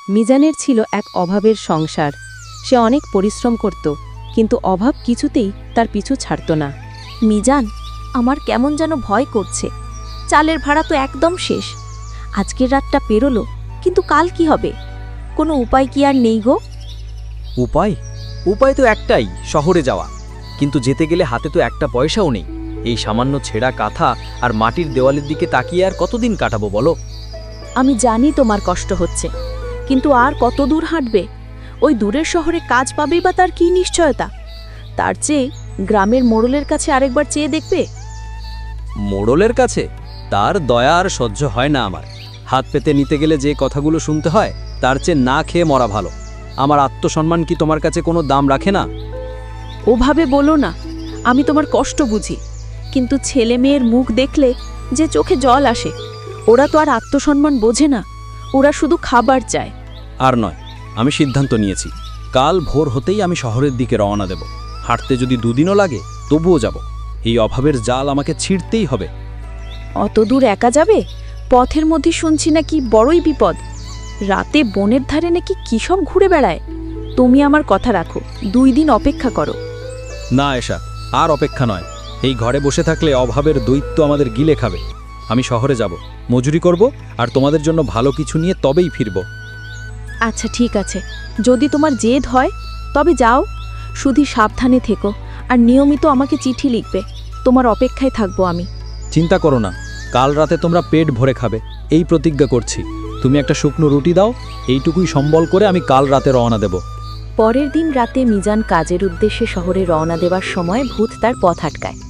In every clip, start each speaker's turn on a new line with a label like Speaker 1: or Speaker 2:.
Speaker 1: মিজানের ছিল এক অভাবের সংসার। সে অনেক পরিশ্রম করত, কিন্তু অভাব কিছুতেই তার পিছু ছাড়ত না।
Speaker 2: মিজান, আমার কেমন যেন ভয় করছে। চালের ভাড়া তো একদম শেষ। আজকের রাতটা পেরোলো, কিন্তু কাল কি হবে? কোনো উপায় কি আর নেই গো?
Speaker 3: উপায় তো একটাই, শহরে যাওয়া। কিন্তু যেতে গেলে হাতে তো একটা পয়সাও নেই। এই সামান্য ছেঁড়া কাঁথা আর মাটির দেওয়ালের দিকে তাকিয়ে আর কতদিন কাটাবো বলো?
Speaker 2: আমি জানি তোমার কষ্ট হচ্ছে, কিন্তু আর কত দূর হাঁটবে? ওই দূরের শহরে কাজ পাবেই বা তার কি নিশ্চয়তা? তার চেয়ে গ্রামের মোড়লের কাছে আরেকবার চেয়ে দেখবে।
Speaker 3: মোড়লের কাছে? তার দয়া আর সহ্য হয় না আমার। হাত পেতে নিতে গেলে যে কথাগুলো শুনতে হয়, তার চেয়ে না খেয়ে মরা ভালো। আমার আত্মসম্মান কি তোমার কাছে কোনো দাম রাখে না?
Speaker 2: ওভাবে বলো না, আমি তোমার কষ্ট বুঝি, কিন্তু ছেলে মেয়ের মুখ দেখলে যে চোখে জল আসে। ওরা তো আর আত্মসম্মান বোঝে না, ওরা শুধু খাবার চায়।
Speaker 3: আর নয়, আমি সিদ্ধান্ত নিয়েছি, কাল ভোর হতেই আমি শহরের দিকে রওনা দেব। হাঁটতে যদি দুদিনও লাগে তবুও যাব। এই অভাবের জাল আমাকে ছিঁড়তেই হবে।
Speaker 2: অত দূর একা যাবে? পথের মধ্যে শুনছি নাকি বড়ই বিপদ। রাতে বনের ধারে নাকি কি সব ঘুরে বেড়ায়। তুমি আমার কথা রাখো, 2 দিন অপেক্ষা করো।
Speaker 3: না এসা, আর অপেক্ষা নয়। এই ঘরে বসে থাকলে অভাবের দৈত্য আমাদের গিলে খাবে। আমি শহরে যাব, মজুরি করব, আর তোমাদের জন্য ভালো কিছু নিয়ে তবেই ফিরব।
Speaker 2: আচ্ছা ঠিক আছে, যদি তোমার জেদ হয় তবে যাও। শুধু সাবধানে থেকো, আর নিয়মিত আমাকে চিঠি লিখবে। তোমার অপেক্ষায় থাকবো আমি।
Speaker 3: চিন্তা করো না, কাল রাতে তোমরা পেট ভরে খাবে, এই প্রতিজ্ঞা করছি। তুমি একটা শুকনো রুটি দাও, এইটুকুই সম্বল করে আমি কাল রাতে রওনা দেব।
Speaker 2: পরের দিন রাতে মিজান কাজের উদ্দেশ্যে শহরে রওনা দেওয়ার সময় ভূত তার পথ আটকায়।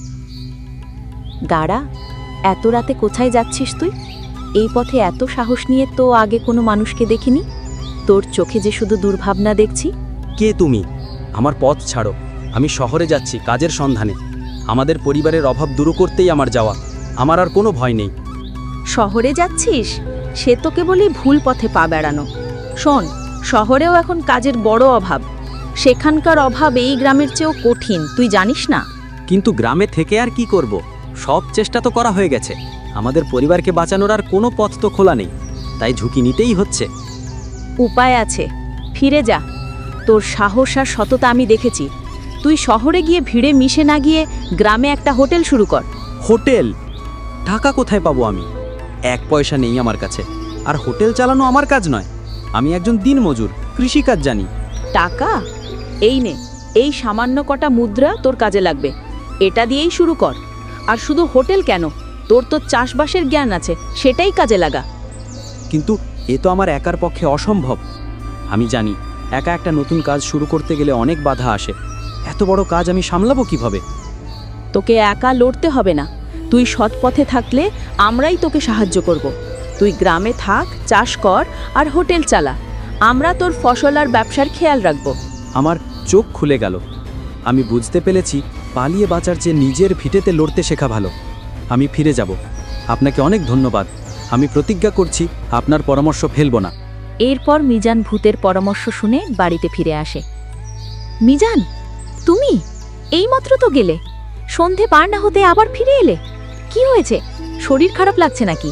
Speaker 2: দাঁড়া, এত রাতে কোথায় যাচ্ছিস তুই? এই পথে এত সাহস নিয়ে তো আগে কোনো মানুষকে দেখিনি। তোর চোখে যে শুধু দুর্ভাবনা দেখছি।
Speaker 3: কে তুমি? আমার পথ ছাড়ো। আমি শহরে যাচ্ছি কাজের সন্ধানে। আমাদের পরিবারের অভাব দূর করতেই আমার যাওয়া। আমার আর কোনো ভয় নেই।
Speaker 2: শহরে যাচ্ছিস? সে তো কেবলই ভুল পথে পা বেড়ানো। শোন, শহরেও এখন কাজের বড় অভাব। সেখানকার অভাব এই গ্রামের চেয়েও কঠিন, তুই জানিস না?
Speaker 3: কিন্তু গ্রামে থেকে আর কি করব? সব চেষ্টা তো করা হয়ে গেছে। আমাদের পরিবারকে বাঁচানোর আর কোনো পথ তো খোলা নেই, তাই ঝুঁকি নিতেই হচ্ছে।
Speaker 2: উপায় আছে, ফিরে যা। তোর সাহস আর সততা আমি দেখেছি। তুই শহরে গিয়ে ভিড়ে মিশে না গিয়ে গ্রামে একটা হোটেল শুরু কর।
Speaker 3: হোটেল? টাকা কোথায় পাবো আমি? 1 পয়সা নেই আমার কাছে। আর হোটেল চালানো আমার কাজ নয়। আমি একজন দিনমজুর, কৃষিকাজ জানি।
Speaker 2: টাকা? এই নে, এই সামান্য কটা মুদ্রা তোর কাজে লাগবে। এটা দিয়েই শুরু কর। আর শুধু হোটেল কেন, তোর তো চাষবাসের জ্ঞান আছে, সেটাই কাজে লাগা।
Speaker 3: কিন্তু এ তো আমার একার পক্ষে অসম্ভব। আমি জানি একা একটা নতুন কাজ শুরু করতে গেলে অনেক বাধা আসে। এত বড় কাজ আমি সামলাবো কিভাবে?
Speaker 2: তোকে একা লড়তে হবে না। তুই সৎ পথে থাকলে আমরাই তোকে সাহায্য করব। তুই গ্রামে থাক, চাষ কর আর হোটেল চালা। আমরা তোর ফসল আর ব্যবসার খেয়াল রাখব।
Speaker 3: আমার চোখ খুলে গেল। আমি বুঝতে পেরেছি পালিয়ে বাঁচার চেয়ে নিজের ভিটেতে লড়তে শেখা ভালো। আমি ফিরে যাব। আপনাকে অনেক ধন্যবাদ। আমি প্রতিজ্ঞা করছি আপনার পরামর্শ ফেলব না।
Speaker 2: এরপর মিজান ভূতের পরামর্শ শুনে বাড়িতে ফিরে আসে। মিজান, তুমি এইমাত্র তো গেলে, সন্ধে পার না হতে আবার ফিরে এলে। কি হয়েছে? শরীর খারাপ লাগছে নাকি?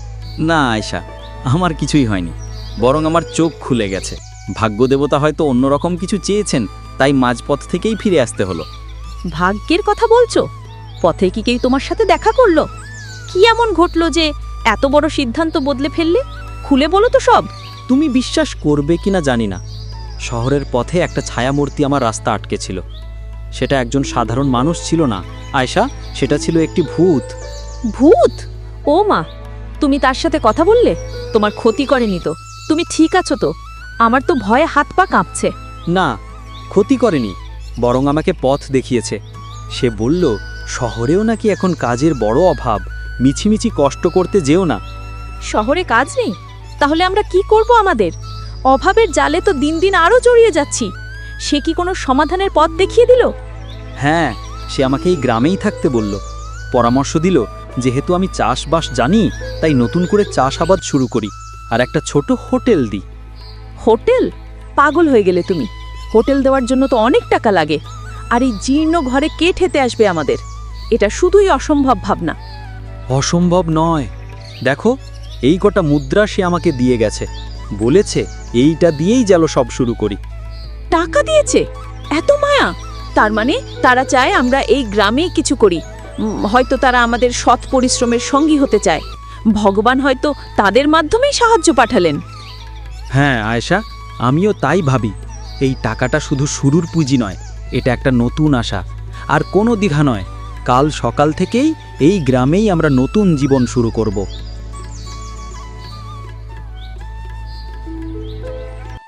Speaker 3: না আয়শা, আমার কিছুই হয়নি, বরং আমার চোখ খুলে গেছে। ভাগ্যদেবতা হয়তো অন্যরকম কিছু চেয়েছেন, তাই মাঝপথ থেকেই ফিরে আসতে হলো।
Speaker 2: ভাগ্যের কথা বলছো? পথে কি কেউ তোমার সাথে দেখা করলো? কি এমন ঘটলো যে এত বড় সিদ্ধান্ত বদলে ফেললে? খুলে বলো তো সব।
Speaker 3: তুমি বিশ্বাস করবে কিনা জানি না, শহরের পথে একটা ছায়ামূর্তি আমার রাস্তা আটকে ছিল। সেটা একজন সাধারণ মানুষ ছিল না আয়শা, সেটা ছিল একটি ভূত।
Speaker 2: ভূত? ও মা, তুমি তার সাথে কথা বললে? তোমার ক্ষতি করেনি তো? তুমি ঠিক আছো তো? আমার তো ভয়ে হাত পা কাঁপছে।
Speaker 3: না, ক্ষতি করেনি, বরং আমাকে পথ দেখিয়েছে। সে বলল শহরেও নাকি এখন কাজের বড় অভাব, মিছিমিছি কষ্ট করতে যেও না।
Speaker 2: শহরে কাজ নেই? তাহলে আমরা কি করব? আমাদের অভাবের জালে তো দিন দিন আরো জড়িয়ে যাচ্ছি। সে কি কোনো সমাধানের পথ দেখিয়ে দিল?
Speaker 3: হ্যাঁ, সে আমাকে এই গ্রামেই থাকতে বলল। পরামর্শ দিল যেহেতু আমি চাষবাস জানি, তাই নতুন করে চাষাবাদ শুরু করি আর একটা ছোট হোটেল দিই।
Speaker 2: হোটেল? পাগল হয়ে গেলে তুমি। হোটেল দেওয়ার জন্য তো অনেক টাকা লাগে, আর এই জীর্ণ ঘরে কে ঠেতে আসবে আমাদের? এটা শুধুই অসম্ভব ভাবনা।
Speaker 3: অসম্ভব নয়, দেখো এই কটা মুদ্রা সে আমাকে দিয়ে গেছে। বলেছে এইটা দিয়েই যেন সব শুরু করি।
Speaker 2: টাকা দিয়েছে? এত মায়া! তার মানে তারা চায় আমরা এই গ্রামেই কিছু করি। হয়তো তারা আমাদের সৎ পরিশ্রমের সঙ্গী হতে চায়। ভগবান হয়তো তাদের মাধ্যমেই সাহায্য পাঠালেন।
Speaker 3: হ্যাঁ আয়েশা, আমিও তাই ভাবি। এই টাকাটা শুধু শুরুর পুঁজি নয়, এটা একটা নতুন আশা। আর কোনো দ্বিধা নয়, কাল সকাল থেকেই এই গ্রামেই আমরা নতুন জীবন শুরু করব।